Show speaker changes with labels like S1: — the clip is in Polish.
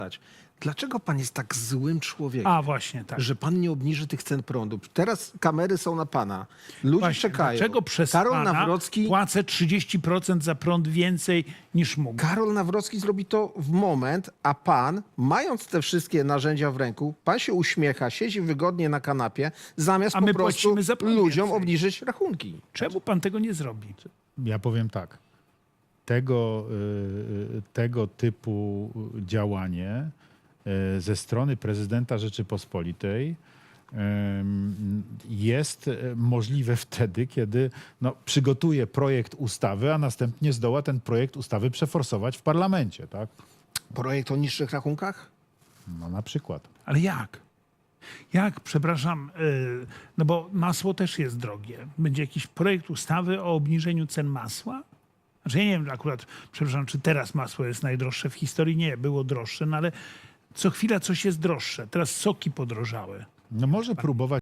S1: Dlaczego pan jest tak złym człowiekiem,
S2: A właśnie, tak.
S1: że pan nie obniży tych cen prądu? Teraz kamery są na pana. Ludzie
S2: Właśnie,
S1: czekają.
S2: dlaczego przez
S1: Karol
S2: pana
S1: Nawrocki,
S2: płacę 30% za prąd więcej niż mógł?
S1: Karol Nawrocki zrobi to w moment, a pan, mając te wszystkie narzędzia w ręku, pan się uśmiecha, siedzi wygodnie na kanapie, zamiast
S2: A my
S1: po prostu
S2: płacimy za prąd
S1: ludziom
S2: więcej.
S1: obniżyć rachunki.
S2: Czemu pan tego nie zrobi?
S3: Ja powiem tak. Tego typu działanie ze strony prezydenta Rzeczypospolitej jest możliwe wtedy, kiedy przygotuje projekt ustawy, a następnie zdoła ten projekt ustawy przeforsować w parlamencie, tak?
S1: Projekt o niższych rachunkach?
S3: No na przykład.
S2: Ale jak? Jak, przepraszam, no bo masło też jest drogie. Będzie jakiś projekt ustawy o obniżeniu cen masła? Znaczy ja nie wiem akurat, przepraszam, czy teraz masło jest najdroższe w historii? Nie, było droższe, no ale co chwila coś jest droższe. Teraz soki podrożały.
S3: No może próbować